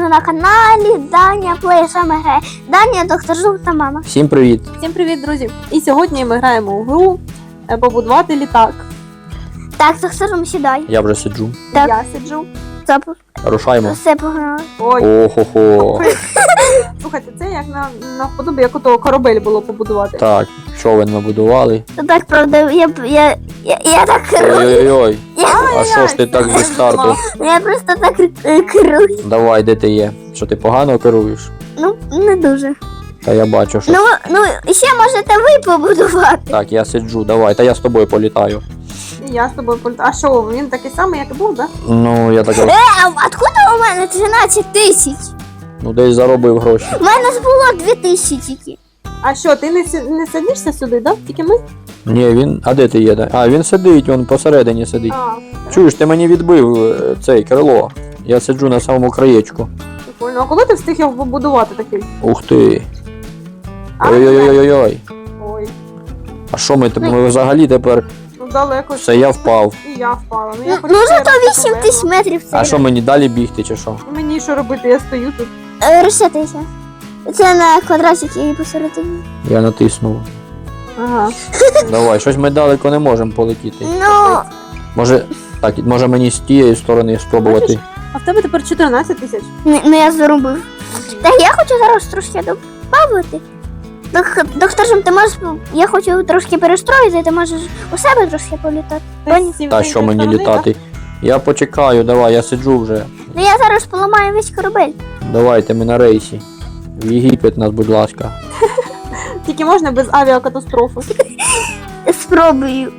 вітаю на каналі Даня Плей саме грає. Даня, доктор Зуб та мама. Всім привіт! Всім привіт, друзі! І сьогодні ми граємо у гру побудувати літак. Так, доктор Зуб, сідай. Я вже сиджу. Так. Я сиджу. Стоп. Рушаємо. Все погнали. Ой, Охо-хо. слухайте, це як на вподобі, як ото корабель було побудувати. Так, човен набудували. Ну так, правда, я так керую. Ой-ой-ой. Я, А що ж ти так зі старту? я просто так керую. Давай, де ти є? Що ти погано керуєш? Ну, не дуже. Та я бачу, що. Ну, ще можете ви побудувати. Так, я сиджу, давай, та я з тобою політаю. І я з тобою політаю. А що, він такий самий, як і був, так? Ну, я так. А откуда у мене 13 тисяч? Ну десь заробив гроші. У мене ж було 2 тисячі тільки. А що, ти не садишся сюди, так? Тільки ми? Ні, він. А де ти є? А, він сидить, він посередині сидить. А, Чуєш, ти мені відбив цей крило. Я сиджу на самому краєчку. прикольно. А коли ти встиг його побудувати такий? Ух ти. А, Ой-ой-ой-ой-ой. Ой, А що ми взагалі тепер? ну далеко. Все, я впав. І я впала. Ну, я Ну, зато 8 8 тисяч метрів це. А що мені далі бігти чи що? Мені що робити, я стою тут. Розсятися. Це на квадратики і посередині. Я натиснув. Ага. Давай, щось ми далеко не можемо полетіти. Ну, Може мені з тієї сторони спробувати. А в тебе тепер 14 тисяч? не я зарубив. Так я хочу зараз трошки добавити. Доктор Жим, ти можеш. Я хочу трошки перестроїти, ти можеш у себе трошки політати. Поняв? Та що мені літати? Я почекаю, давай, я сиджу вже. Ну я зараз поламаю весь корабель. Давайте ми на рейсі. В Єгипет нас, будь ласка. Тільки можна без авіакатастрофи. Спробую.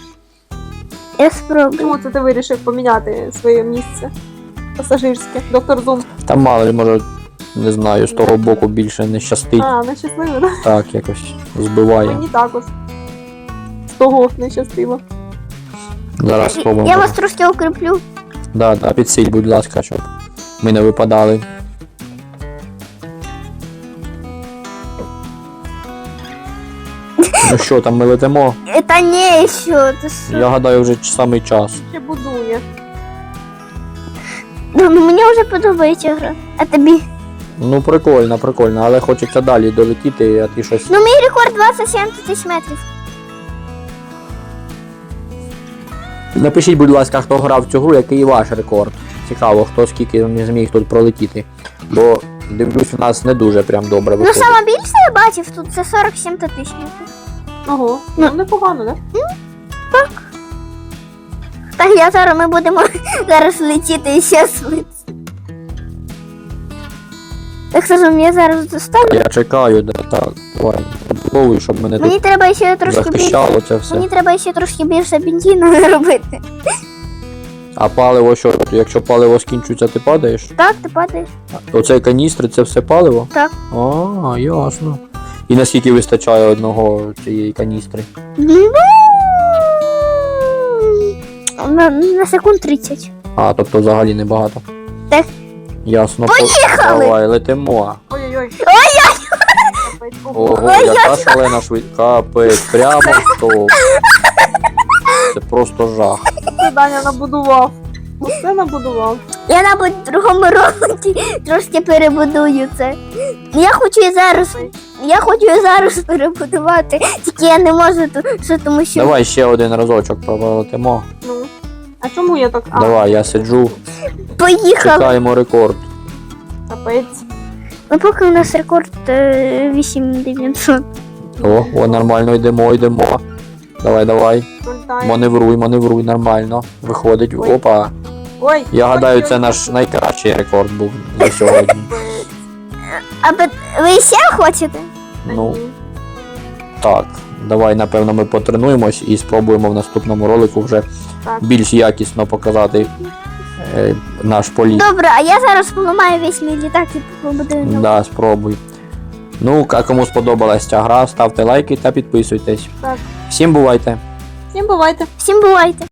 Я спробую. Чому це ти вирішив поміняти своє місце пасажирське? Доктор Зум. Там мало ли, може, не знаю, з того боку більше не щастить. А, не щасливо, да? Так, якось збиває. Мені також. З того не щастило. Зараз спробуємо. Я вас трошки укріплю. Да, підсиль, будь ласка, щоб ми не випадали. Ну що, там ми летимо? Та ні, що ти що? Я гадаю, вже самий час. Ще будує. Ну, мені вже подобається гра. А тобі? Ну, прикольно, але хочеться далі долетіти, а ти щось. Ну, мій рекорд 27 тисяч метрів. Напишіть, будь ласка, хто грав в цю гру, який ваш рекорд. Цікаво, хто скільки не зміг тут пролетіти. Бо, дивлюсь, у нас не дуже прям добре Ну, виходить. саме більше я бачив тут це 47 тисяч метрів. Ого, ну непогано, да? Так, ми будемо зараз летіти ще швидше. Так скажем, я зараз доставлю. Я чекаю, да, так. Давай, побудовую, щоб мене Мені тут треба ще трошки більше. захищало це все. Мені треба ще трошки більше бензину робити. А паливо що? Якщо паливо скінчується, ти падаєш? Так, ти падаєш. Оцей каністри, це все паливо? Так. А, ясно. І наскільки вистачає одного цієї каністри? На секунд 30. А, тобто взагалі небагато. Так. Ясно. Поїхали! Давай, летимо. Ой-ой-ой. Капець, Ого, яка шалена швидкість. Капець, прямо в топ. Це просто жах. Це Даня набудував. Усе набудував. Я, мабуть, в другому році трошки перебудую це. Я хочу і зараз перебудувати, тільки я не можу, тому що... Давай ще один разочок пролетимо. Ну. А чому я так? А, Давай, я сиджу. Поїхали! Чекаємо рекорд. капець. Ну, поки у нас рекорд 8900. О, нормально, йдемо. Давай. Пролітає. Маневруй, нормально. Виходить. Ой. Опа. Ой. Я гадаю, це ой, наш найкращий рекорд був за сьогодні. капець. А ви ще хочете? Та Ну, ні. так. Давай, напевно, ми потренуємось і спробуємо в наступному ролику вже Так. більш якісно показати наш політ. Добре, а я зараз поламаю весь мій літак і побудую новий. Да, спробуй. Ну, а кому сподобалась ця гра, ставте лайки та підписуйтесь. Так. Всім бувайте! Всім бувайте. Всім бувайте!